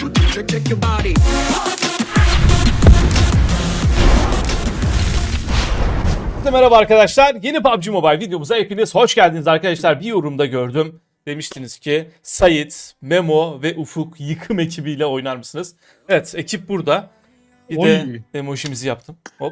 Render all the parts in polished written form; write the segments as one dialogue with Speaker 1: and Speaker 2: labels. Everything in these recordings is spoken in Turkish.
Speaker 1: Shake your body.
Speaker 2: Merhaba arkadaşlar. Yeni PUBG Mobile videomuza hepiniz hoş geldiniz arkadaşlar. Bir yorumda gördüm. Demiştiniz ki Sait, Memo ve Ufuk yıkım ekibiyle oynar mısınız? Evet, ekip burada. Bir de emojimizi yaptım. Hop.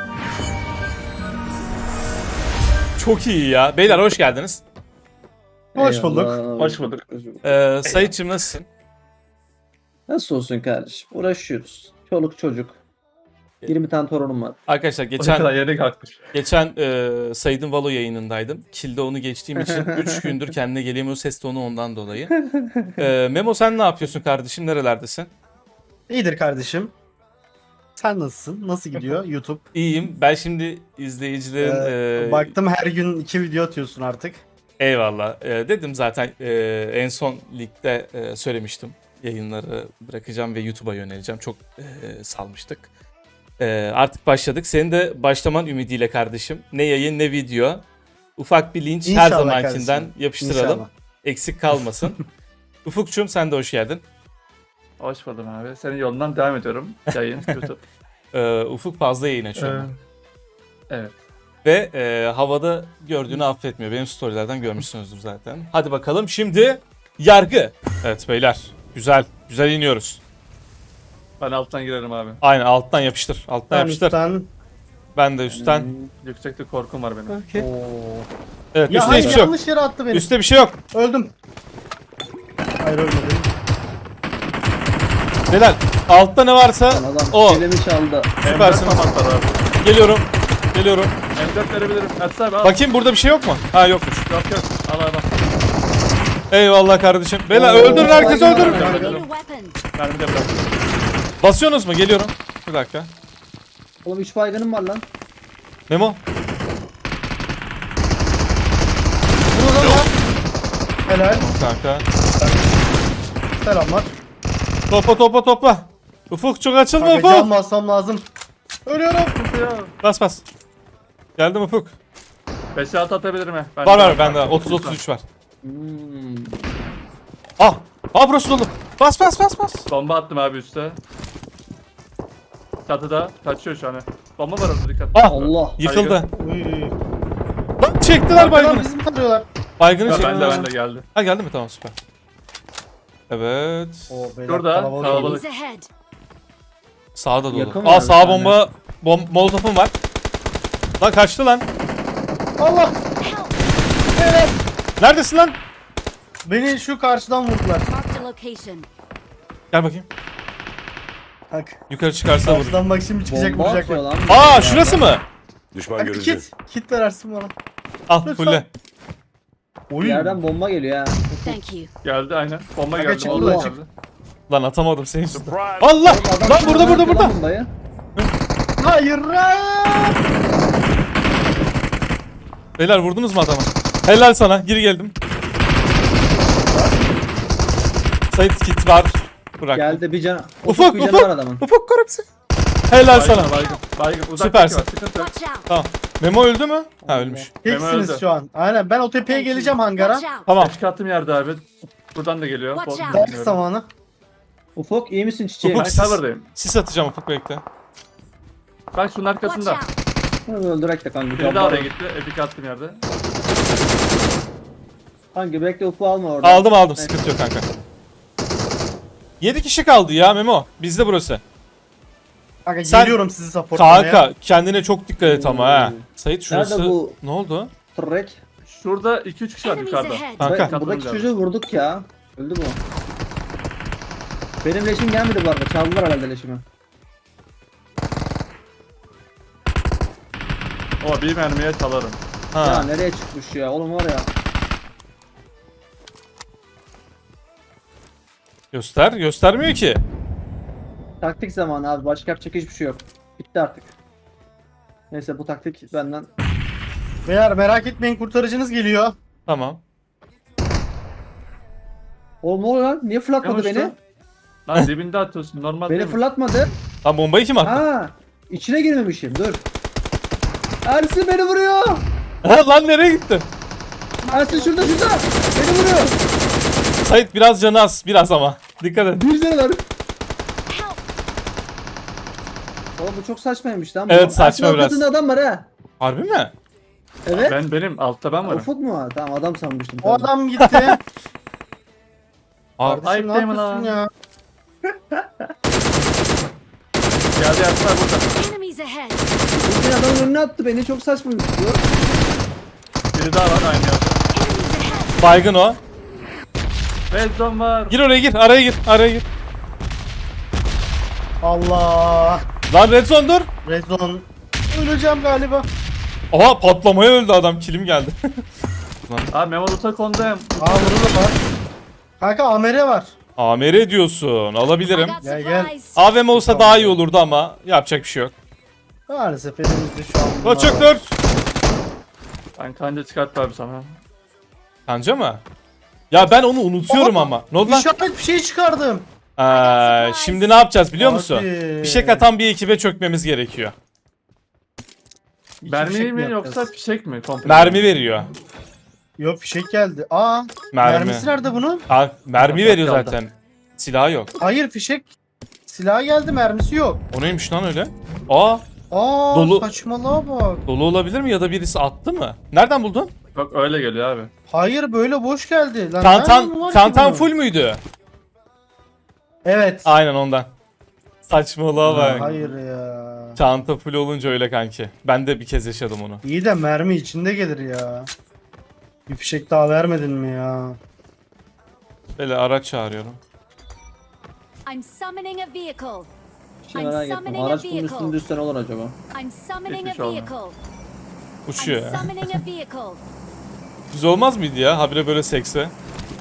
Speaker 2: Çok iyi ya. Beyler hoş geldiniz.
Speaker 3: Hoş bulduk.
Speaker 4: Hoş bulduk.
Speaker 2: Sait'cim nasılsın?
Speaker 4: Nasıl olsun kardeşim? Uğraşıyoruz. Çoluk çocuk. 20 tane torunum var.
Speaker 2: Arkadaşlar
Speaker 3: Ne kadar yere kalkmış.
Speaker 2: geçen Sait'in Valo yayınındaydım. Kill'de onu geçtiğim için 3 gündür kendine gelemiyor. Ses tonu ondan dolayı. Memo sen ne yapıyorsun kardeşim? Nerelerdesin?
Speaker 3: İyidir kardeşim. Sen nasılsın? Nasıl gidiyor YouTube?
Speaker 2: İyiyim. Ben şimdi izleyicilerin...
Speaker 3: Baktım her gün 2 video atıyorsun artık.
Speaker 2: Eyvallah. Dedim zaten en son ligde söylemiştim. Yayınları bırakacağım ve YouTube'a yöneleceğim. Çok salmıştık. Artık başladık. Senin de başlaman ümidiyle kardeşim. Ne yayın ne video. Ufak bir linç
Speaker 3: İnşallah
Speaker 2: her zamankinden
Speaker 3: kardeşim.
Speaker 2: yapıştıralım.
Speaker 3: İnşallah.
Speaker 2: Eksik kalmasın. Ufukçum sen de hoş geldin.
Speaker 5: Hoş buldum abi. Senin yolundan devam ediyorum. Yayın, YouTube.
Speaker 2: Ufuk fazla yayın açıyor.
Speaker 5: Evet.
Speaker 2: Ve havada gördüğünü affetmiyor. Benim storylerden görmüşsünüzdür zaten. Hadi bakalım şimdi yargı. Evet beyler. Güzel. Güzel iniyoruz.
Speaker 5: Ben alttan girerim abi.
Speaker 2: Aynen alttan yapıştır. Alttan
Speaker 3: Ben
Speaker 2: yapıştır.
Speaker 3: üstten...
Speaker 2: Ben de üstten.
Speaker 5: Yüksekte korkum var benim.
Speaker 3: Oo.
Speaker 2: Evet
Speaker 3: Ya
Speaker 2: üstte
Speaker 3: hayır
Speaker 2: hiçbir şey yok.
Speaker 3: yanlış yere attı beni.
Speaker 2: Üstte bir şey yok.
Speaker 3: Öldüm. Hayır ölmedim.
Speaker 2: Beyler altta ne varsa
Speaker 4: Adam
Speaker 2: o.
Speaker 4: elimi çaldı.
Speaker 2: Süpersin.
Speaker 5: M4 tam atlar abi.
Speaker 2: Geliyorum. Geliyorum.
Speaker 5: M4 verebilirim. Atsana abi al.
Speaker 2: Bakayım burada bir şey yok mu? Ha yokmuş.
Speaker 5: Yok yok. Al abi.
Speaker 2: Eyvallah kardeşim. Beyler
Speaker 4: Oo,
Speaker 2: öldürün herkes
Speaker 4: baygın
Speaker 2: öldürün.
Speaker 4: var.
Speaker 5: Öldürün.
Speaker 6: Need a weapon.
Speaker 5: Mermi de bırak.
Speaker 2: Basıyorsunuz mu? Geliyorum. Bir dakika.
Speaker 4: Oğlum 3 baygınım var lan.
Speaker 2: Memo.
Speaker 3: Bunu da var. Helal.
Speaker 2: Kanka.
Speaker 3: Selamlar.
Speaker 2: Topla. Ufuk çok açılma
Speaker 3: Kanka can
Speaker 2: Ufuk.
Speaker 3: basmam lazım. Ölüyorum.
Speaker 2: Bas. Geldim Ufuk.
Speaker 5: 5'e 6 atabilirim he. Ben
Speaker 2: Var bende 30-33 var.
Speaker 4: Hmm.
Speaker 2: Ah burası dolu. Bas.
Speaker 5: Bomba attım abi üste. Çatıda. Kaçıyor şu an. Bomba var orada dikkat.
Speaker 2: Ah
Speaker 4: Allah.
Speaker 2: yıkıldı.
Speaker 3: Uy.
Speaker 2: Lan çektiler
Speaker 3: Arkadan
Speaker 2: baygını.
Speaker 3: bizim tarıyorlar.
Speaker 2: Baygını
Speaker 5: Ben
Speaker 2: çektiler.
Speaker 5: de geldi.
Speaker 2: Ha geldi mi? Tamam süper. Evet.
Speaker 3: Oo, beyler,
Speaker 5: Şurada,
Speaker 3: kalabalık.
Speaker 5: kalabalık.
Speaker 6: Enemies ahead.
Speaker 2: Sağda dolu.
Speaker 4: Yakın
Speaker 2: Aa
Speaker 4: var
Speaker 2: sağa
Speaker 4: bir
Speaker 2: bomba. Molotofum var. Lan kaçtı lan.
Speaker 3: Allah.
Speaker 6: Help.
Speaker 3: Evet.
Speaker 2: Neredesin lan?
Speaker 3: Beni şu karşıdan vurdular.
Speaker 6: Marked a location.
Speaker 2: Gel bakayım.
Speaker 3: Bak.
Speaker 2: Yukarı çıkarsa vur.
Speaker 3: Karşıdan bak şimdi çıkacak
Speaker 4: Bomba
Speaker 3: vuracak
Speaker 4: atıyor
Speaker 3: bak.
Speaker 4: lan.
Speaker 2: Aa şurası mı?
Speaker 7: Düşman
Speaker 3: Bak
Speaker 7: görüldü.
Speaker 3: kit. Kit verersin bana.
Speaker 2: Al
Speaker 3: Lütfen.
Speaker 2: fulle.
Speaker 4: Bir
Speaker 3: Oy.
Speaker 4: yerden bomba geliyor ha.
Speaker 6: Thank you.
Speaker 5: Geldi aynen. Bomba
Speaker 3: Kanka
Speaker 5: geldi.
Speaker 3: çıktı
Speaker 5: Bomba
Speaker 4: da
Speaker 5: geldi.
Speaker 3: çıktı.
Speaker 2: Lan atamadım senin yüzünden.
Speaker 7: Surprise.
Speaker 2: Allah!
Speaker 4: Adam
Speaker 2: Lan
Speaker 4: şuradan atıyor
Speaker 2: burada.
Speaker 4: lan bombayı.
Speaker 3: Hayır.
Speaker 2: Beyler vurdunuz mu adama? Helal sana. Geri geldim. Sait kit var. Bırak.
Speaker 4: Geldi bir can.
Speaker 2: Ufuk,
Speaker 4: bir canı
Speaker 2: Ufuk.
Speaker 4: var adamın.
Speaker 2: Ufuk korupsi. Helal sana.
Speaker 5: Baygın. Uzaktaki
Speaker 2: Süpersin.
Speaker 5: var, sıkıntı yok.
Speaker 6: Watch out.
Speaker 2: Tamam. Memo öldü mü? Ha ölmüş.
Speaker 3: Teksiniz
Speaker 5: öldü.
Speaker 3: şu an. Aynen ben o tepeye geleceğim hangara.
Speaker 6: Watch out.
Speaker 2: Tamam.
Speaker 5: Eski attığım yerde abi. Buradan da geliyor.
Speaker 6: Watch out.
Speaker 3: Ders zamanı.
Speaker 4: Ufuk iyi misin çiçeğim?
Speaker 2: Ufuk.
Speaker 5: Ben cover'dayım.
Speaker 2: Sis atacağım Ufuk bekle.
Speaker 5: Bak şunun
Speaker 6: Watch
Speaker 5: arkasında.
Speaker 6: out.
Speaker 4: Öldürek de kanka.
Speaker 5: Biri daha oraya gitti. Epic attığım yerde.
Speaker 4: Kanka bekle Ufuk alma orada.
Speaker 2: Aldım. Sıkıntı yok kanka. 7 kişi kaldı ya Memo. Bizde burası.
Speaker 3: Kanka
Speaker 2: Sen-
Speaker 3: geliyorum sizi supportlamaya.
Speaker 2: Kanka kendine çok dikkat et ama ha. Sait şurası.
Speaker 4: Nerede bu?
Speaker 2: Ne oldu?
Speaker 4: Trek.
Speaker 5: Şurada 2-3 kişi var
Speaker 6: Enemies
Speaker 5: yukarıda.
Speaker 6: ahead.
Speaker 2: Kanka.
Speaker 4: Buradaki
Speaker 5: Katılımcı
Speaker 4: çocuğu vurduk ya. Öldü bu. Benim leşim gelmedi bu arada. Çaldılar herhalde leşimi.
Speaker 5: O bir mermiye çalarım.
Speaker 4: Ya
Speaker 2: Ha.
Speaker 4: nereye çıkmış ya? Oğlum var ya.
Speaker 2: Göstermiyor ki.
Speaker 4: Taktik zamanı abi. Başka yapacak hiçbir şey yok. Bitti artık. Neyse bu taktik benden.
Speaker 3: Beyler merak etmeyin kurtarıcınız geliyor.
Speaker 2: Tamam.
Speaker 4: Oğlum ne oluyor lan? Niye fırlatmadı
Speaker 5: Yavaş
Speaker 4: beni?
Speaker 5: dur. Lan dibinde atıyorsun normal
Speaker 4: Beni
Speaker 5: değil mi?
Speaker 4: fırlatmadı.
Speaker 2: Lan bombayı kim attı?
Speaker 4: Ha, içine girmemişim. Dur. Ersin beni vuruyor.
Speaker 2: Lan nereye gitti?
Speaker 4: Ersin şurada. Beni vuruyor.
Speaker 2: Sait biraz canı az. Biraz ama. Dikkat et.
Speaker 4: Bir canı var. Oğlum bu çok saçmaymış lan.
Speaker 2: Evet,
Speaker 4: Bu.
Speaker 2: saçma
Speaker 4: Ersin,
Speaker 2: biraz.
Speaker 4: altında adam var ha.
Speaker 2: Harbi mi?
Speaker 4: Evet.
Speaker 5: Benim altta ben varım.
Speaker 4: Ufuk mu var? Tamam adam sanmıştım.
Speaker 3: O
Speaker 4: Tamam.
Speaker 3: adam gitti.
Speaker 2: Abi,
Speaker 3: Kardeşim ne
Speaker 5: ayıp değil mi
Speaker 3: yapıyorsun
Speaker 5: lan?
Speaker 3: ya?
Speaker 5: Geldi Ersin abi burada.
Speaker 6: Enemies ahead.
Speaker 4: Bugün adamın önüne attı beni çok saçmaymış bu.
Speaker 5: Biri daha var aynı yerde.
Speaker 6: Enemies ahead.
Speaker 2: baygın o.
Speaker 5: Red zone var.
Speaker 2: Gir oraya gir. Araya gir. Araya gir.
Speaker 3: Allah.
Speaker 2: Lan red zone dur.
Speaker 3: Red zone. Öleceğim galiba.
Speaker 2: Oha patlamaya öldü adam. Kilim geldi.
Speaker 5: Abi Memo Lut'a kondum.
Speaker 3: Aa burada da var. Kanka AMR var.
Speaker 2: AMR diyorsun.
Speaker 6: I
Speaker 2: Alabilirim.
Speaker 6: got
Speaker 3: Gel, gel.
Speaker 6: supplies.
Speaker 2: AVM olsa daha iyi olurdu ama yapacak bir şey yok.
Speaker 3: Maalesef elimizde şu an bunlar
Speaker 2: Koçuk
Speaker 3: var.
Speaker 2: dur.
Speaker 5: Ben kanca çıkarttı abi sana.
Speaker 2: Kanca mı? Ya ben onu unutuyorum
Speaker 3: Aa,
Speaker 2: ama. Ne oldu lan?
Speaker 3: İşaret bir şey çıkardım.
Speaker 2: Şimdi ne yapacağız biliyor musun?
Speaker 3: Abi.
Speaker 2: Fişek atan bir ekibe çökmemiz gerekiyor.
Speaker 3: İki
Speaker 5: Mermi
Speaker 3: fişek
Speaker 5: mi
Speaker 3: yapacağız?
Speaker 5: yoksa fişek mi? Komple.
Speaker 2: Mermi veriyor.
Speaker 3: Yok fişek geldi. Aa.
Speaker 2: Mermi.
Speaker 3: Mermisi nerede bunun?
Speaker 2: Ha, mermi
Speaker 5: Yok,
Speaker 2: veriyor
Speaker 5: kaldı.
Speaker 2: zaten. Silahı yok.
Speaker 3: Hayır fişek. Silah geldi mermisi yok.
Speaker 2: O neymiş lan öyle? Aa,
Speaker 3: Aa
Speaker 2: Dolu.
Speaker 3: saçmalığa bak.
Speaker 2: dolu olabilir mi ya da birisi attı mı? Nereden buldun?
Speaker 5: Bak öyle geliyor abi.
Speaker 3: Hayır böyle boş geldi. Lan nereden
Speaker 2: Çantan,
Speaker 3: var ki
Speaker 2: çantan
Speaker 3: bunun?
Speaker 2: full müydü?
Speaker 3: Evet.
Speaker 2: Aynen ondan. Saçmalığa bak.
Speaker 3: Hayır ya.
Speaker 2: Çanta full olunca öyle kanki. Ben de bir kez yaşadım onu.
Speaker 3: İyi de mermi içinde gelir ya. Bir fişek daha vermedin mi ya?
Speaker 2: Böyle araç çağırıyorum.
Speaker 6: I'm summoning a vehicle.
Speaker 4: Şey merak ettim. Araç bunun üstünde üstten olur acaba?
Speaker 6: I'm summoning a
Speaker 5: Hiçbir şey olmaz.
Speaker 6: vehicle.
Speaker 2: Uçuyor
Speaker 6: I'm
Speaker 2: ya.
Speaker 6: summoning a vehicle.
Speaker 2: Güzel olmaz mıydı ya? Habire böyle sekse.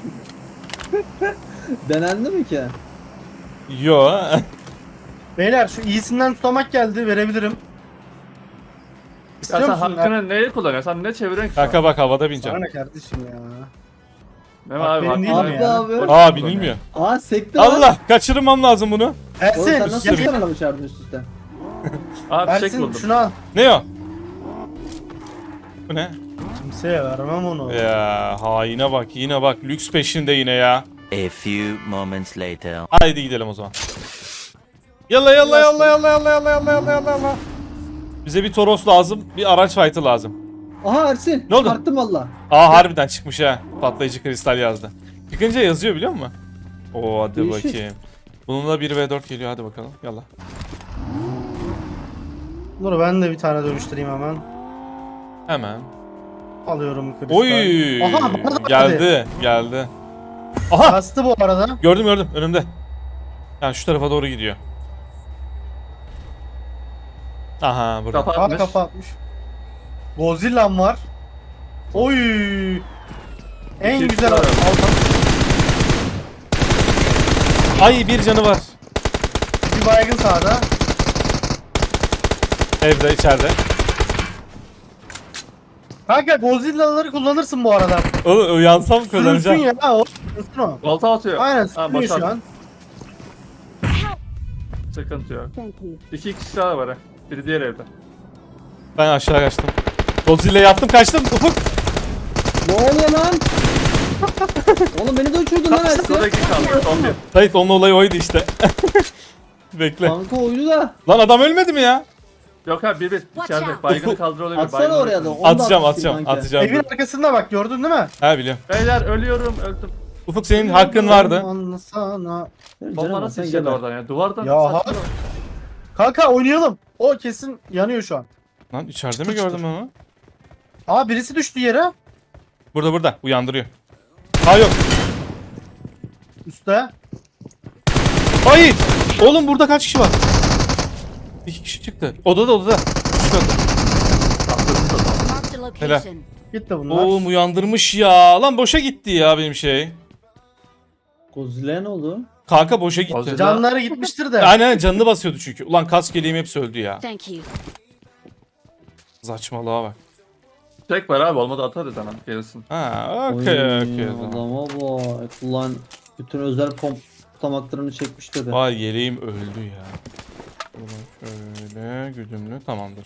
Speaker 4: Denendi mi ki?
Speaker 2: Yo.
Speaker 3: Beyler şu iyisinden tutamak geldi verebilirim.
Speaker 5: Ya
Speaker 3: İstiyor
Speaker 5: sen
Speaker 3: musun?
Speaker 5: hakkını neye kullanıyorsun? Sen ne çeviriyorsun ki?
Speaker 2: Kanka bak havada
Speaker 3: Sana
Speaker 2: bineceğim.
Speaker 3: ne kardeşim ya?
Speaker 5: Memo
Speaker 3: Bak,
Speaker 5: abi
Speaker 3: benim değil
Speaker 5: hakkını
Speaker 3: mi
Speaker 4: Abi
Speaker 3: ya?
Speaker 4: abi.
Speaker 2: Aa binilmiyor.
Speaker 4: Aa sekti lan.
Speaker 2: Allah kaçırmam lazım bunu.
Speaker 4: Oğlum sen
Speaker 3: Ersin
Speaker 4: nasıl
Speaker 3: gel,
Speaker 4: bir tane çağırdın üst üste?
Speaker 5: Abi fişek
Speaker 3: Ersin
Speaker 5: buldum.
Speaker 3: şunu al.
Speaker 2: Ne o? Bu ne?
Speaker 3: Kimseye vermem onu.
Speaker 2: Ya haine bak yine bak lüks peşinde yine ya.
Speaker 1: A few moments later.
Speaker 2: Haydi gidelim o zaman. Yalla yalla yalla yalla yalla yalla yalla yalla yalla yalla. Bize bir Toros lazım, bir araç fight'ı lazım.
Speaker 4: Aha Ersin.
Speaker 2: Ne oldu?
Speaker 4: Çıkarttım valla.
Speaker 2: Aa harbiden çıkmış ha. Patlayıcı kristal yazdı. Çıkınca yazıyor biliyor musun? Oo hadi
Speaker 4: Değişik.
Speaker 2: bakayım. Bununla 1v4 geliyor hadi bakalım. Yalla.
Speaker 3: Dur ben de bir tane dönüştüreyim hemen.
Speaker 2: Hemen.
Speaker 3: Alıyorum kristal.
Speaker 2: Oy!
Speaker 3: Aha bana da
Speaker 2: Geldi, geldi. Aha!
Speaker 3: Bastı bu arada.
Speaker 2: Gördüm gördüm önümde. Yani şu tarafa doğru gidiyor. Aha burada.
Speaker 3: Aa
Speaker 5: Kapatmış.
Speaker 3: kapatmış. Godzilla'm var. Oy. En
Speaker 5: İki
Speaker 3: güzel
Speaker 5: var.
Speaker 3: aldım.
Speaker 2: Ay bir canı var.
Speaker 3: Bir baygın sağda.
Speaker 2: Evde içeride.
Speaker 3: Kanka Godzilla'ları kullanırsın bu arada.
Speaker 2: Oğlum uyansam
Speaker 3: Sürünsün
Speaker 2: kazanacağım.
Speaker 3: ya. O. Sürünsün o.
Speaker 5: Volta atıyor.
Speaker 3: Aynen
Speaker 5: Ha,
Speaker 3: sürünüyor şu
Speaker 5: başardım.
Speaker 3: an.
Speaker 5: Sıkıntı yok.
Speaker 6: Thank you.
Speaker 5: 2 kişi daha var ha. Biri diğer evde.
Speaker 2: Ben aşağı kaçtım. Godzilla yaptım kaçtım. Ufuk.
Speaker 4: Ne oluyor lan? Oğlum beni de uçurdun lan Ersin.
Speaker 5: Şurada 2 kaldı. Son bir.
Speaker 2: Sait onun olayı oydu işte. Bekle.
Speaker 4: Kanka oyunu da.
Speaker 2: Lan adam ölmedi mi ya?
Speaker 5: Yok abi bir içeride.
Speaker 6: out.
Speaker 5: Baygını kaldır olabilir.
Speaker 4: Atsana
Speaker 5: baygını
Speaker 4: oraya da.
Speaker 5: olabilir.
Speaker 4: onu da
Speaker 2: Atacağım
Speaker 4: atmışsın
Speaker 2: atacağım
Speaker 4: kanka.
Speaker 2: atacağım.
Speaker 3: Evin arkasında bak gördün değil mi?
Speaker 2: Ha biliyorum.
Speaker 5: Beyler ölüyorum öldüm.
Speaker 2: Ufuk senin hakkın vardı.
Speaker 3: Anlasana.
Speaker 4: Canım,
Speaker 5: Bomba nasıl
Speaker 4: sen
Speaker 5: işledi
Speaker 4: gel.
Speaker 5: oradan ya? Duvardan
Speaker 3: Ya
Speaker 5: saçma.
Speaker 3: abi. Kanka oynayalım. O kesin yanıyor şu an.
Speaker 2: Lan içeride mi
Speaker 3: Çıtır
Speaker 2: gördüm
Speaker 3: çıtır.
Speaker 2: onu?
Speaker 3: Aa birisi düştü yere.
Speaker 2: Burada uyandırıyor. Ha yok.
Speaker 3: Üste.
Speaker 2: Hayır. Oğlum burada kaç kişi var? 2 kişi çıktı. Odada. Üst katta.
Speaker 6: Marked a location.
Speaker 3: Gitti bunlar.
Speaker 2: Oğlum uyandırmış ya. Lan boşa gitti ya benim şey.
Speaker 4: Godzilla ne oldu?
Speaker 2: Kanka boşa gitti.
Speaker 5: Godzilla-
Speaker 3: Canları gitmiştir de.
Speaker 2: Aynen canını basıyordu çünkü. Ulan kask yeleğim hepsi öldü ya.
Speaker 6: Thank you.
Speaker 2: Saçmalığa bak.
Speaker 5: Tek var abi olmadı atarız hemen gelsin.
Speaker 2: Ha
Speaker 4: Oy,
Speaker 2: okey o zaman.
Speaker 4: Adama bak. Ulan bütün özel tutamaklarını çekmiş dedi.
Speaker 2: Vay yeleğim öldü ya. Ulan şöyle güdümlü tamamdır.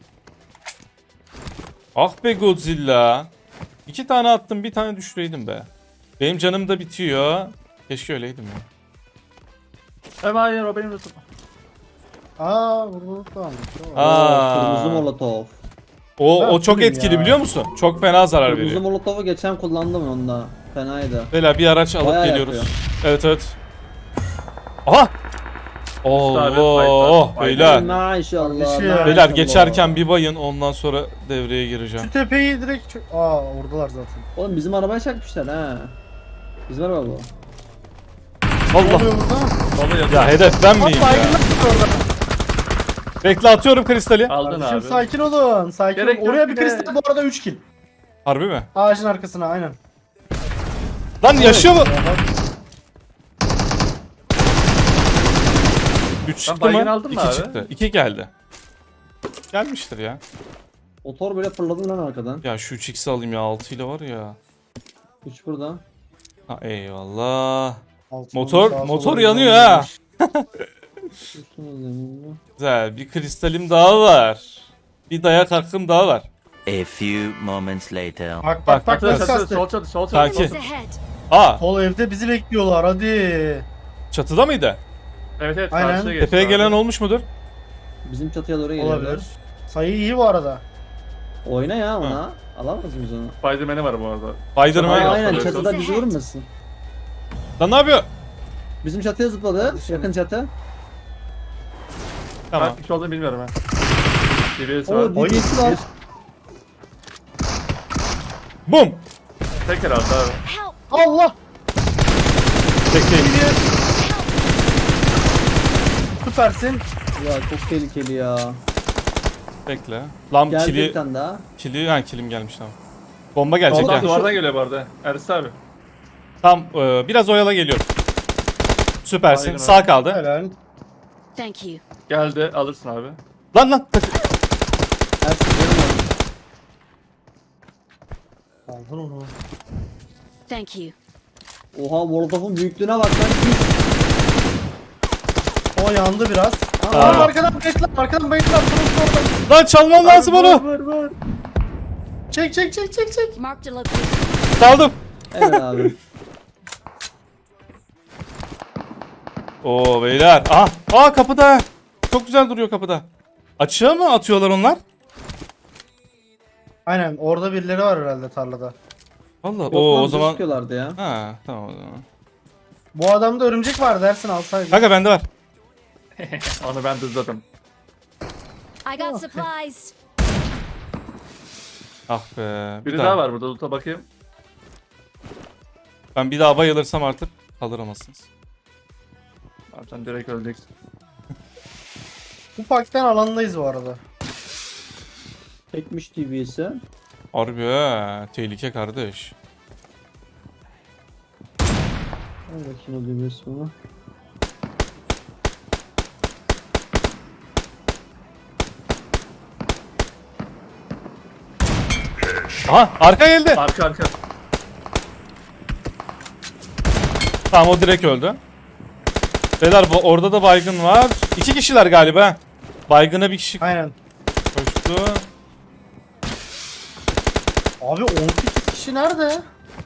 Speaker 2: Ah be Godzilla. 2 tane attım bir tane düşüreydim be. Benim canım da bitiyor. Keşke öyleydim ya.
Speaker 5: Hayır o benim lütfum.
Speaker 3: Vurdu tamam.
Speaker 4: Kırmızı molotov.
Speaker 2: O çok
Speaker 3: fullüm
Speaker 2: etkili
Speaker 3: ya.
Speaker 2: biliyor musun? Çok fena zarar
Speaker 4: Kırmızı
Speaker 2: veriyor.
Speaker 4: molotovu geçen kullandım onda. Fenaydı.
Speaker 2: Beyler bir araç alıp
Speaker 4: Bayağı
Speaker 2: geliyoruz.
Speaker 4: yapıyor.
Speaker 2: Evet evet. Aha! Allah
Speaker 5: fayda.
Speaker 2: beyler.
Speaker 4: Maşallah.
Speaker 3: Kardeşim.
Speaker 2: Beyler geçerken bir bayın ondan sonra devreye gireceğim.
Speaker 3: Şu tepeyi direkt oradalar zaten.
Speaker 4: Oğlum bizim arabaya çakmışlar ha. Bizim araba bu.
Speaker 3: Ne
Speaker 2: Allah.
Speaker 3: oluyor burada?
Speaker 5: Solu yatıyor.
Speaker 2: Ya hedef ben miyim ya?
Speaker 3: Baygınlar var orada.
Speaker 2: Bekle atıyorum kristali.
Speaker 5: Aldın
Speaker 3: Kardeşim
Speaker 5: abi.
Speaker 3: sakin olun. Sakin
Speaker 5: Gerek
Speaker 3: olun.
Speaker 5: yok
Speaker 3: Oraya
Speaker 5: bir
Speaker 3: bir
Speaker 5: de.
Speaker 3: kristal bu arada 3 kill.
Speaker 2: Harbi mi?
Speaker 3: Ağacın arkasına aynen.
Speaker 2: Lan yaşıyor mu? 3 çıktı
Speaker 5: baygın
Speaker 2: mı?
Speaker 5: aldın mı
Speaker 2: 2
Speaker 5: abi?
Speaker 2: çıktı. 2 geldi. Gelmiştir ya.
Speaker 4: Motor böyle fırladı lan arkadan.
Speaker 2: Ya şu 3x'i alayım ya 6 ile var ya.
Speaker 4: 3 burada.
Speaker 2: Ha eyvallah.
Speaker 3: Altına
Speaker 2: Motor-
Speaker 3: sağa
Speaker 2: motor
Speaker 3: sola
Speaker 2: yanıyor
Speaker 3: yönlendirmiş.
Speaker 4: Üstüne zeminle.
Speaker 2: Güzel. Bir kristalim daha var. Bir dayak hakkım daha var.
Speaker 1: A few moments later.
Speaker 3: Bak
Speaker 5: Çatı
Speaker 3: nasıl
Speaker 5: çatı
Speaker 3: kastı.
Speaker 5: sol çatı sol çatı.
Speaker 2: Kanki.
Speaker 5: sol
Speaker 6: Enemies
Speaker 5: çatı.
Speaker 6: ahead.
Speaker 2: Aa
Speaker 3: Sol evde bizi bekliyorlar hadi.
Speaker 2: çatıda mıydı?
Speaker 5: Evet evet
Speaker 3: Aynen.
Speaker 5: karşıya geçti
Speaker 2: Tepeye
Speaker 5: abi.
Speaker 2: gelen olmuş mudur?
Speaker 4: Bizim çatıya doğru geliyorlar.
Speaker 3: Olabilir. Sayı iyi bu arada.
Speaker 4: Oyna ya ona. Alamaz mıyız onu?
Speaker 5: Spiderman'i var bu arada.
Speaker 2: Spiderman.
Speaker 5: Aynen.
Speaker 4: Aynen
Speaker 5: atladı.
Speaker 4: çatıda bizi vurmasın.
Speaker 2: Lan ne yapıyor?
Speaker 4: Bizim çatıya zıpladı. Yakın çatı.
Speaker 2: Tamam.
Speaker 5: Ben kişi olduğunu bilmiyorum ha. DBS
Speaker 4: O
Speaker 5: var.
Speaker 4: DB'si var.
Speaker 2: Bum.
Speaker 5: Tek herhalde abi.
Speaker 6: Help!
Speaker 3: Allah!
Speaker 2: Çekeyim.
Speaker 3: Süpersin.
Speaker 4: Ya çok tehlikeli ya.
Speaker 2: Bekle. Lan
Speaker 4: Geldi bir
Speaker 2: kili,
Speaker 4: tane daha.
Speaker 2: kilim gelmiş tamam. Bomba gelecek
Speaker 5: Soldan
Speaker 2: ya.
Speaker 5: duvardan geliyor bu arada. Ersin abi.
Speaker 2: Tam biraz oyala geliyorum. Süpersin.
Speaker 5: Aynen
Speaker 2: Sağ
Speaker 5: abi.
Speaker 2: kaldı.
Speaker 3: Helal.
Speaker 6: Thank you.
Speaker 5: Geldi alırsın abi.
Speaker 2: Lan.
Speaker 4: Ersin benim var.
Speaker 3: Aldın onu.
Speaker 6: Thank you.
Speaker 4: Oha Molotov'un büyüklüğüne bak lan.
Speaker 3: O yandı biraz.
Speaker 2: Aa.
Speaker 3: Arkadan bayıtlar. Arkadan bayıtlar. Durun orada.
Speaker 2: Lan çalmam lazım onu.
Speaker 5: Vur.
Speaker 3: Çek.
Speaker 6: Marked a location.
Speaker 2: Çaldım.
Speaker 4: Evet abi.
Speaker 2: Oo beyler. Aa kapıda. Çok güzel duruyor kapıda. Açığa mı atıyorlar onlar?
Speaker 3: Aynen orada birileri var herhalde tarlada.
Speaker 2: Vallahi
Speaker 4: Yok
Speaker 2: o
Speaker 4: lan,
Speaker 2: zaman.
Speaker 4: sıkıyorlardı ya.
Speaker 2: Ha tamam o zaman.
Speaker 3: Bu adamda örümcek var dersin alsaydın.
Speaker 2: Kanka bende var.
Speaker 5: Onu ben dızladım.
Speaker 6: I got supplies.
Speaker 2: Ah be.
Speaker 5: Biri daha var burada. Loot'a bakayım.
Speaker 2: Ben bir daha bayılırsam artık kaldıramazsınız.
Speaker 5: Abi sen direkt öleceksin.
Speaker 3: Ufaktan alandayız bu arada.
Speaker 4: Çekmiş TV'si.
Speaker 2: Harbi he. Tehlike kardeş.
Speaker 4: Al bakayım o TV'si bunu.
Speaker 2: Aha arka geldi.
Speaker 5: Arka.
Speaker 2: Tamam o direkt öldü. Beyler orada da baygın var. 2 kişiler galiba. Baygına bir kişi
Speaker 3: Aynen.
Speaker 2: koştu.
Speaker 3: Abi 18 kişi nerede?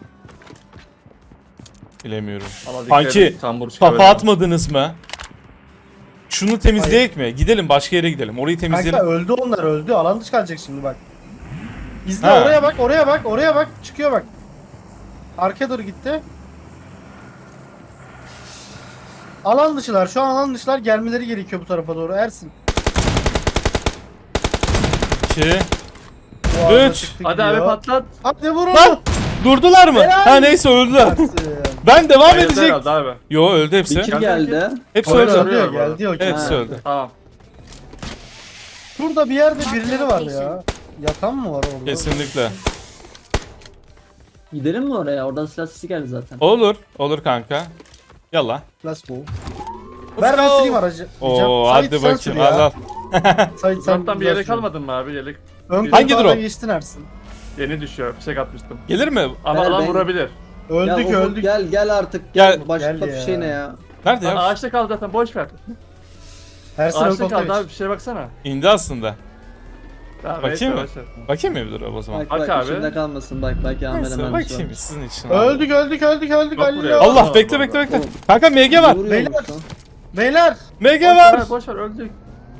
Speaker 2: Bilemiyorum.
Speaker 5: Ama dikkat
Speaker 2: Kanki
Speaker 5: edin, tambur çıkıyor
Speaker 2: kafa
Speaker 5: böyle.
Speaker 2: atmadınız mı? Şunu temizleyek mi? Gidelim başka yere gidelim. Orayı
Speaker 3: Kanka
Speaker 2: temizleyelim.
Speaker 3: öldü onlar öldü. Alan dışı kalacak şimdi bak. İzle
Speaker 2: Ha.
Speaker 3: oraya bak. Çıkıyor bak. Arkaya doğru gitti. Alan dışılar. Şu an alan dışılar gelmeleri gerekiyor bu tarafa doğru. Ersin.
Speaker 2: 2.
Speaker 3: Bu arada
Speaker 2: Üç.
Speaker 3: çıktı
Speaker 5: Hadi abi
Speaker 3: gidiyor.
Speaker 5: patlat.
Speaker 3: Hadi vurun.
Speaker 2: Lan! Durdular mı?
Speaker 3: Helal.
Speaker 2: Ha neyse öldüler.
Speaker 3: Ersin.
Speaker 2: Ben devam
Speaker 5: Bayıldı
Speaker 2: edecek.
Speaker 5: herhalde abi.
Speaker 2: Yo öldü hepsi.
Speaker 4: Bir kill geldi.
Speaker 2: Hepsi
Speaker 3: Öldü,
Speaker 2: öldü.
Speaker 5: Öldü.
Speaker 3: geldi o.
Speaker 2: Hepsi
Speaker 4: Ha.
Speaker 2: öldü.
Speaker 5: Tamam.
Speaker 3: Şurada bir yerde birileri var ya. Yatan mı var orada?
Speaker 2: Kesinlikle.
Speaker 4: Gidelim mi oraya? Oradan silah sesi geldi zaten.
Speaker 2: Olur. Olur kanka. Yalla.
Speaker 3: Let's go. Ver ben süreyim aracı.
Speaker 2: Oo
Speaker 3: Sait,
Speaker 2: hadi
Speaker 3: sen sür
Speaker 2: bakayım.
Speaker 3: ya.
Speaker 2: Al al.
Speaker 3: Sait, sen
Speaker 5: Uzaktan bir
Speaker 3: güzel
Speaker 5: yelek
Speaker 3: sür.
Speaker 5: almadın mı abi? Yelek
Speaker 3: Ön
Speaker 2: Hangi
Speaker 3: koltuğa
Speaker 2: drop?
Speaker 3: geçtin Ersin.
Speaker 5: yeni düşüyor. Fişek atmıştım.
Speaker 2: Gelir mi?
Speaker 5: Ama
Speaker 4: Ver,
Speaker 5: alan
Speaker 4: ben-
Speaker 5: vurabilir.
Speaker 3: Öldük
Speaker 4: ya, Ufuk,
Speaker 3: öldük.
Speaker 4: Gel artık.
Speaker 2: Gel.
Speaker 4: Başla
Speaker 3: Gel
Speaker 4: bir
Speaker 3: ya.
Speaker 4: şey ne ya?
Speaker 2: Nerede
Speaker 5: Lan
Speaker 2: ya?
Speaker 5: ağaçta kaldı zaten boş ver.
Speaker 3: Ersin ön
Speaker 5: Ağaçta
Speaker 3: koltuğa
Speaker 5: kaldı
Speaker 3: geç.
Speaker 5: abi bir şeye baksana.
Speaker 2: İndi aslında.
Speaker 5: Tamam,
Speaker 2: Bakayım
Speaker 5: neyse,
Speaker 2: mı?
Speaker 5: boş ver.
Speaker 2: Bakayım mı bir dur o zaman?
Speaker 4: Bak
Speaker 5: Bak
Speaker 4: bak
Speaker 5: abi.
Speaker 4: içinde kalmasın bak belki Ahmet
Speaker 2: Neyse
Speaker 4: hemen
Speaker 2: bakayım sizin için.
Speaker 3: Öldük.
Speaker 5: Yok buraya.
Speaker 3: Galileo.
Speaker 2: Allah
Speaker 5: Tamam,
Speaker 2: bekle
Speaker 5: tamam,
Speaker 2: bekle bekle.
Speaker 4: Oğlum.
Speaker 2: Kanka MG var.
Speaker 3: Beyler. Beyler.
Speaker 2: MG
Speaker 5: Boş
Speaker 2: var.
Speaker 5: ver, boş ver öldük.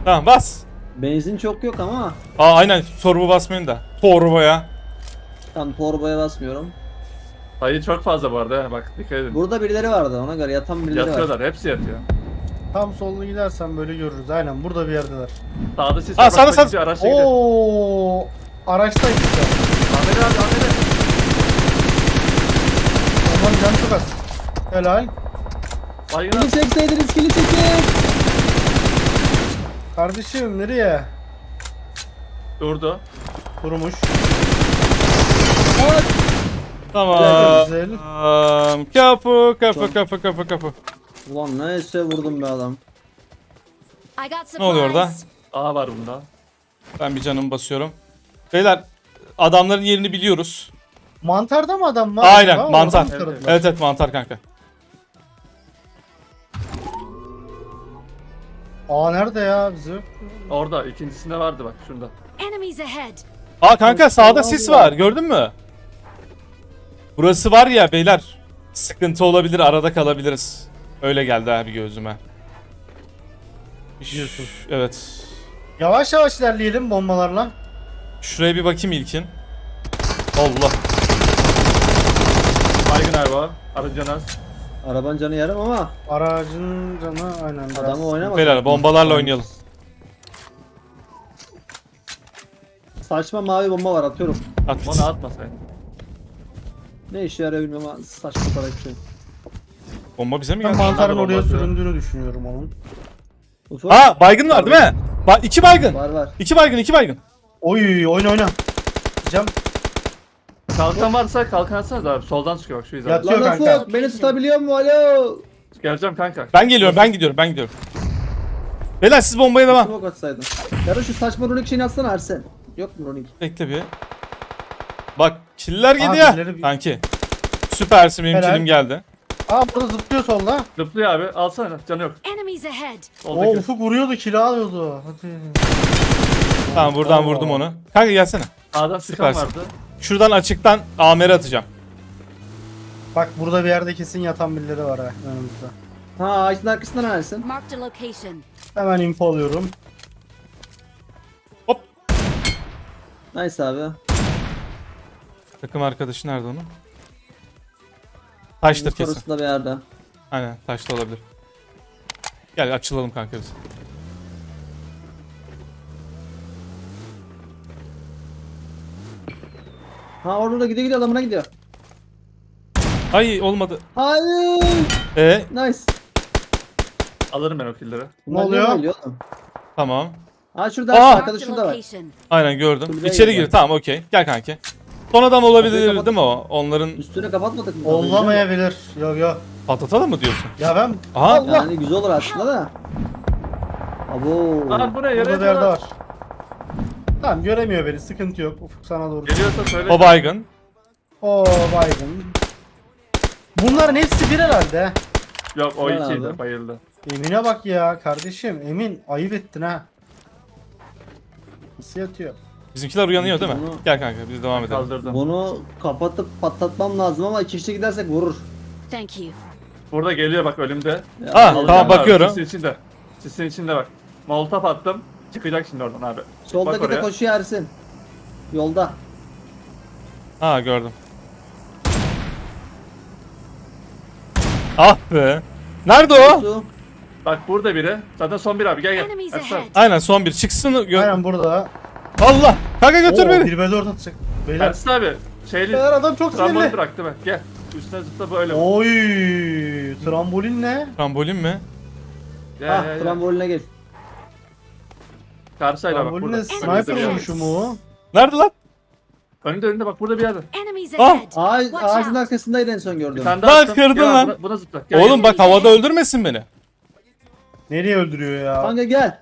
Speaker 2: Tamam bas.
Speaker 4: Benzin çok yok ama.
Speaker 2: Aynen torba basmayın da. Torbaya.
Speaker 4: Tam torbaya basmıyorum.
Speaker 5: Sayı çok fazla bu arada. Bak dikkat edin.
Speaker 4: Burada birileri vardı ona göre yatan birileri var.
Speaker 5: Yatıyorlar. Hepsi yatıyor.
Speaker 3: Tam sollu gidersen böyle görürüz. Aynen burada bir yerdeler.
Speaker 5: Sağda sis
Speaker 2: Aa,
Speaker 5: var.
Speaker 2: sağda,
Speaker 5: Bak,
Speaker 2: sağda.
Speaker 5: bir araçla gidiyor.
Speaker 3: Oo, araçta gitti.
Speaker 5: Ahmet abi Ahmet abi.
Speaker 3: Aman canı çok az. Helal.
Speaker 5: Baygın abi.
Speaker 4: Kili çekseydiniz kili çekin.
Speaker 3: Kardeşim nereye?
Speaker 5: Durdu.
Speaker 3: Kurumuş.
Speaker 2: Tamam.
Speaker 3: Güzel.
Speaker 2: Kapı.
Speaker 4: Ulan neyse vurdum be adam.
Speaker 6: I got
Speaker 2: Ne oluyor orada?
Speaker 6: supplies.
Speaker 5: A var bunda.
Speaker 2: Ben bir canımı basıyorum. Beyler adamların yerini biliyoruz.
Speaker 3: Mantarda mı adam var?
Speaker 2: Aynen,
Speaker 3: acaba?
Speaker 2: mantar.
Speaker 3: Oradan mı taradılar?
Speaker 2: Evet mantar kanka.
Speaker 3: Aa nerede ya bizi?
Speaker 5: Orada. İkincisinde vardı bak şurada.
Speaker 6: Enemies ahead.
Speaker 2: Kanka sağda sis var gördün mü? Burası var ya beyler. Sıkıntı olabilir, arada kalabiliriz. Öyle geldi abi gözüme.
Speaker 3: Diyorsun.
Speaker 2: Evet.
Speaker 3: Yavaş yavaş ilerleyelim bombalarla.
Speaker 2: Şuraya bir bakayım ilkin. Allah.
Speaker 5: Baygın abi o. Arıcan az.
Speaker 4: Arabanın canı yarım ama
Speaker 3: Aracın canı aynen biraz.
Speaker 4: adamı oynamadı.
Speaker 2: Beyler bombalarla oynayalım.
Speaker 4: Saçma mavi bomba var atıyorum.
Speaker 2: At.
Speaker 5: Onu atmasaydın.
Speaker 4: Ne işe yarıyor bilmiyorum ama saçma sapan bir şey.
Speaker 2: Bomba bize mi
Speaker 3: Ben
Speaker 2: geldi?
Speaker 3: mantarın
Speaker 5: Bomba
Speaker 3: oraya
Speaker 5: atıyor.
Speaker 3: süründüğünü düşünüyorum onun.
Speaker 4: Ufuk
Speaker 2: Baygın var değil mi? Bak 2 baygın.
Speaker 4: var.
Speaker 2: 2 baygın, 2 baygın.
Speaker 3: Oy oyna. Cam
Speaker 5: Kalkan varsa kalkan atsanız abi. Soldan çıkıyor bak şu hizada.
Speaker 3: Yat.
Speaker 4: Lan
Speaker 3: kanka.
Speaker 4: Ufuk beni tutabiliyor mu? Alo.
Speaker 5: Geleceğim kanka.
Speaker 2: Ben gidiyorum. Beyler siz bombaya devam.
Speaker 4: Smoke atsaydın. Ya da şu saçma runik şeyini atsana Ersen. Yok mu runik?
Speaker 2: Bekle bir. Bak killer
Speaker 3: Abi,
Speaker 2: gidiyor.
Speaker 3: ileri bir-
Speaker 2: Kanki. Süpersin benim
Speaker 3: Helal.
Speaker 2: killim geldi.
Speaker 3: Aa burada zıplıyor solda.
Speaker 5: Zıplıyor abi. Alsana. Canı yok.
Speaker 6: Enemies ahead.
Speaker 3: Oo
Speaker 5: Soldaki.
Speaker 3: Ufuk vuruyordu kilo alıyordu. Hadi.
Speaker 2: Tamam buradan
Speaker 3: Oo.
Speaker 2: vurdum onu. Kanka gelsene.
Speaker 5: Sağdan sıkan
Speaker 2: Süpersin.
Speaker 5: vardı.
Speaker 2: Şuradan açıktan AMR atacağım.
Speaker 3: Bak burada bir yerde kesin yatan birileri var ha önümüzde.
Speaker 4: Ha ağacın arkasından Ersen.
Speaker 6: Marked a location.
Speaker 3: Hemen info alıyorum.
Speaker 2: Hop.
Speaker 4: Nice abi.
Speaker 2: Takım arkadaşı nerede onun? Taştır kesin.
Speaker 4: Sonrasında bir yerde.
Speaker 2: Aynen taşta olabilir. Gel açılalım kanka biz.
Speaker 4: Ha orada gidiyor adamına gidiyor.
Speaker 2: Ay olmadı.
Speaker 4: Hayır. Nice.
Speaker 5: Alırım ben o killleri.
Speaker 4: Bunlar
Speaker 3: oluyor?
Speaker 4: niye böyle oğlum?
Speaker 2: Tamam.
Speaker 4: Ha şurada
Speaker 2: Aa!
Speaker 4: Ersen,
Speaker 6: Marked
Speaker 4: arkadaş
Speaker 6: a
Speaker 4: şurada var.
Speaker 6: location.
Speaker 2: Aynen gördüm.
Speaker 4: Kulübeye
Speaker 2: İçeri
Speaker 4: girdi.
Speaker 2: gir. Tamam okey. Gel kanki. Son adam olabilir
Speaker 4: Kapıyı
Speaker 2: değil mi o? Onların
Speaker 4: Üstüne kapatmadık mı?
Speaker 3: Olamayabilir. Yok.
Speaker 2: patlatalım mı diyorsun?
Speaker 3: Ya ben
Speaker 2: Aha.
Speaker 4: Yani güzel olur aslında da. Abo.
Speaker 5: Aa bu ne? Yere
Speaker 3: burada bir yerde
Speaker 5: yatıyorlar.
Speaker 3: var. Tamam göremiyor beni. Sıkıntı yok. Ufuk sana doğru.
Speaker 5: Geliyorsa söyle.
Speaker 2: O baygın.
Speaker 3: Oo baygın. Bunların hepsi bir herhalde.
Speaker 5: Yok o
Speaker 4: Gel
Speaker 5: ikiydi.
Speaker 4: abi.
Speaker 5: Bayıldı.
Speaker 3: Emin'e bak ya kardeşim. Emin ayıp ettin ha. Nasıl yatıyor?
Speaker 2: Bizimkiler uyanıyor değil mi?
Speaker 4: Bunu-
Speaker 2: Gel kanka biz devam edelim.
Speaker 5: Kaldırdım.
Speaker 4: Bunu kapatıp patlatmam lazım ama iki kişi gidersek vurur.
Speaker 6: Thank you.
Speaker 5: Burada geliyor bak önümde.
Speaker 4: Ya,
Speaker 2: Ah,
Speaker 5: Alacağım
Speaker 2: tamam,
Speaker 5: abi,
Speaker 2: bakıyorum.
Speaker 5: Sisin içinde. Sisin içinde bak. Molotof attım. Çıkacak şimdi oradan abi.
Speaker 4: Soldaki
Speaker 5: Bak
Speaker 4: de
Speaker 5: oraya.
Speaker 4: koşuyor Ersin. Yolda.
Speaker 2: Ha gördüm. Ah be. Nerede o?
Speaker 4: Su.
Speaker 5: Bak burada biri. Zaten son bir abi gel gel.
Speaker 6: Enemies
Speaker 5: Ersan.
Speaker 6: ahead.
Speaker 2: Aynen son bir çıksın.
Speaker 3: Aynen burada.
Speaker 2: Allah. Kanka götür
Speaker 3: Oo,
Speaker 2: beni.
Speaker 3: 1v4 atacak. Beyler.
Speaker 5: Ersin abi. Şeyli.
Speaker 3: Beyler adam çok
Speaker 5: Trambolü
Speaker 3: sinirli.
Speaker 5: bıraktı bak gel. Üstüne zıpla böyle.
Speaker 3: Oy, trambolin ne?
Speaker 2: Trambolin mi?
Speaker 5: Gel
Speaker 4: Ah
Speaker 5: gel gel.
Speaker 4: tramboline gel.
Speaker 5: Karşıyla bak
Speaker 3: Trambolin
Speaker 5: burada.
Speaker 3: ne? Sniper vurmuşum o.
Speaker 2: Nerede lan?
Speaker 5: Önünde bak burada bir yerde.
Speaker 6: Enemies
Speaker 2: Ah!
Speaker 6: ahead.
Speaker 4: Ağaç,
Speaker 6: Watch
Speaker 4: ağacın
Speaker 6: out.
Speaker 4: arkasındaydı en son
Speaker 5: Bir
Speaker 4: gördüm.
Speaker 5: tane daha
Speaker 2: Lan
Speaker 5: attım.
Speaker 2: kırdın
Speaker 5: Gel abi,
Speaker 2: lan.
Speaker 5: Buna zıpla. Gel,
Speaker 2: Oğlum
Speaker 5: gel.
Speaker 2: bak havada öldürmesin beni.
Speaker 3: Nereye öldürüyor ya?
Speaker 4: Kanka gel.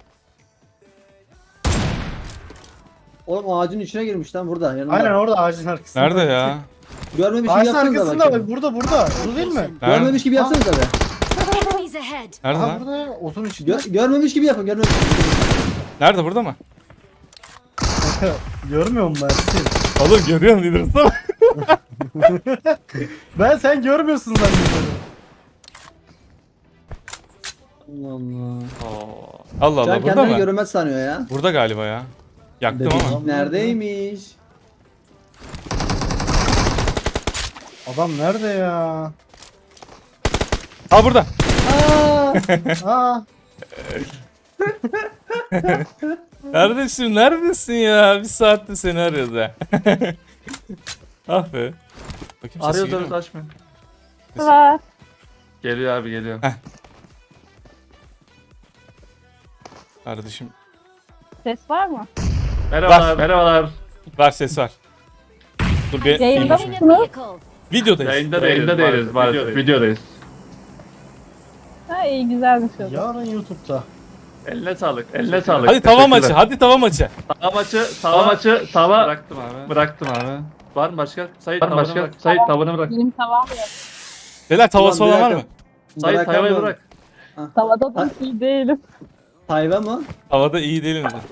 Speaker 4: Oğlum ağacın içine girmiş lan burada yanında.
Speaker 3: Aynen orada ağacın arkasında.
Speaker 2: Nerede ya?
Speaker 4: Görmemiş gibi
Speaker 3: Ağacın
Speaker 4: yapsanıza
Speaker 3: arkasında
Speaker 4: bakayım.
Speaker 3: bak burada. Burada değil mi?
Speaker 2: Nerede?
Speaker 4: Görmemiş gibi yapsanıza be.
Speaker 6: Enemies ahead.
Speaker 2: Nerede
Speaker 3: Aha
Speaker 2: lan?
Speaker 3: burada ya. Otun içinde.
Speaker 4: Görmemiş gibi yapın görmemiş gibi.
Speaker 2: Nerede burada mı?
Speaker 3: Görmüyor musun Ersin?
Speaker 2: Oğlum görüyorum İdris'im.
Speaker 3: Ben sen görmüyorsun zannediyorum.
Speaker 4: Allah Allah.
Speaker 5: Oo.
Speaker 2: Allah
Speaker 4: Can
Speaker 2: Allah, burada
Speaker 4: kendini
Speaker 2: mı?
Speaker 4: görünmez sanıyor ya.
Speaker 2: Burada galiba ya. Yaktım ama.
Speaker 4: Neredeymiş?
Speaker 3: Adam nerede ya?
Speaker 2: Ha burada.
Speaker 4: Aa!
Speaker 3: Aa,
Speaker 2: Kardeşim neredesin ya? Bir saattir seni arıyoruz ha. Ah be. Bakayım sesi
Speaker 5: Arıyoruz
Speaker 2: geliyor mu?
Speaker 5: açmıyor.
Speaker 7: Var.
Speaker 5: Geliyor abi geliyor.
Speaker 2: Kardeşim
Speaker 7: Ses var mı?
Speaker 5: Merhabalar. Merhabalar.
Speaker 2: var, ses var. Dur bir
Speaker 7: Yayında
Speaker 2: filmi-
Speaker 6: In a vehicle.
Speaker 2: Videodayız.
Speaker 5: Yayında değiliz. Videodayız.
Speaker 7: Ha iyi güzelmiş o.
Speaker 3: yarın YouTube'da.
Speaker 5: Eline sağlık. Eline sağlık.
Speaker 2: Hadi tava maçı. Hadi tava maçı.
Speaker 5: Tava maçı. Bıraktım abi. Var mı başka? Sayit tavanı bırak. Sayit tavanı bırak.
Speaker 7: Benim tavam yok.
Speaker 2: Beyler tavası
Speaker 4: Ulan bir
Speaker 2: olan var mı?
Speaker 4: dakika.
Speaker 5: Sayit tavayı
Speaker 4: Bırakamıyorum.
Speaker 5: bırak.
Speaker 7: Tavada da iyi değilim.
Speaker 4: Tayva mı?
Speaker 2: Havada iyi değilim de.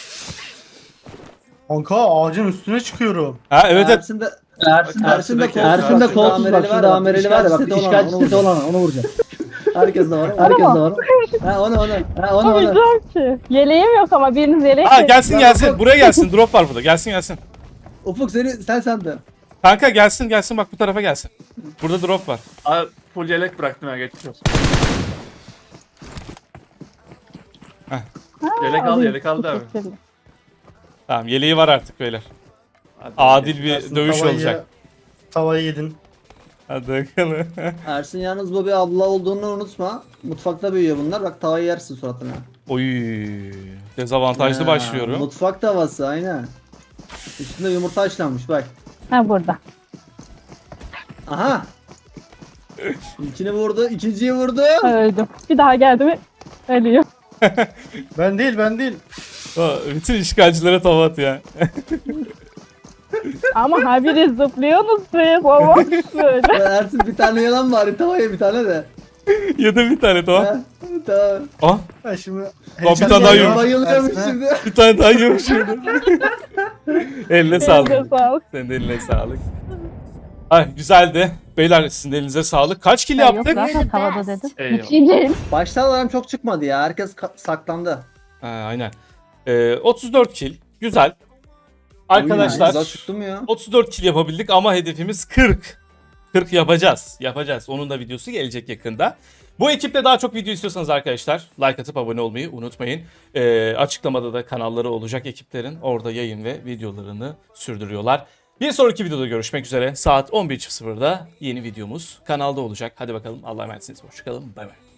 Speaker 3: Kanka ağacın üstüne çıkıyorum.
Speaker 2: Ha evet evet.
Speaker 4: Ersin de
Speaker 5: Ersin de
Speaker 4: kolsuz bak. Şurada amereli var ya bak. İşgal sitesi olan onu vuracağım. Herkes de var. Herkes de var. Ha onu. Ha onu.
Speaker 7: Olmayacağım ki. Yeleğim yok ama biriniz yelek
Speaker 2: Ha
Speaker 7: verin.
Speaker 2: gelsin. Buraya gelsin. Drop var burada. Gelsin.
Speaker 4: Ufuk sen sandın.
Speaker 2: Kanka gelsin bak bu tarafa gelsin. Burada drop var.
Speaker 5: Abi full yelek bıraktım ya geçmiş olsun. Yelek al
Speaker 7: alayım.
Speaker 5: yelek al da abi.
Speaker 7: Teşekkürler.
Speaker 2: Tamam yeleği var artık beyler.
Speaker 5: Hadi.
Speaker 2: Adil bir
Speaker 3: Ersin,
Speaker 2: dövüş
Speaker 3: tavayı-
Speaker 2: olacak.
Speaker 3: Tavayı yedin.
Speaker 2: Hadi bakalım.
Speaker 4: Ersin yalnız bu bir abla olduğunu unutma. Mutfakta büyüyor bunlar. Bak tavayı yersin suratına.
Speaker 2: Oy. Dezavantajlı
Speaker 4: Ha,
Speaker 2: başlıyorum.
Speaker 4: Mutfak tavası aynen. Üstünde yumurta haşlanmış bak.
Speaker 7: Ha burada.
Speaker 4: Aha. İlkini vurdu, ikinciyi vurdu.
Speaker 7: Öldüm. Bir daha geldi mi ölüyor.
Speaker 3: Ben değil.
Speaker 2: Bütün işgalcilere tava at ya.
Speaker 7: Ama habire zıplıyorsunuz siz. Olmaz böyle.
Speaker 4: Ersin bir tane yalan bari tavaya bir tane de.
Speaker 2: Yedim bir tane tamam.
Speaker 4: Ha, tamam.
Speaker 2: Ah
Speaker 3: Ben şimdi...
Speaker 2: bir tane daha yiyorum.
Speaker 4: Bayılıyormuş
Speaker 3: Ersin'e-
Speaker 4: şimdi.
Speaker 2: bir tane daha yiyorum şimdi. Eline sağlık.
Speaker 7: Elinize sağlık.
Speaker 2: Senin de eline sağlık. Ay güzeldi. Beyler sizin de elinize sağlık. Kaç kill
Speaker 7: Yok
Speaker 2: yaptık?
Speaker 7: zaten tavada dedim.
Speaker 5: Eyvallah.
Speaker 7: Hiç iyi değil.
Speaker 4: Başta alarm çok çıkmadı ya. Herkes saklandı.
Speaker 2: Ha, aynen. 34 kill. Güzel. Arkadaşlar
Speaker 4: Güzel çıktı mı ya?
Speaker 2: 34 kill yapabildik ama hedefimiz 40. 40 yapacağız. Onun da videosu gelecek yakında. Bu ekiple daha çok video istiyorsanız arkadaşlar like atıp abone olmayı unutmayın. Açıklamada da kanalları olacak ekiplerin. Orada yayın ve videolarını sürdürüyorlar. Bir sonraki videoda görüşmek üzere. Saat 11.00'da yeni videomuz kanalda olacak. Hadi bakalım Allah'a emanetsiniz. Hoşçakalın. Bay bay.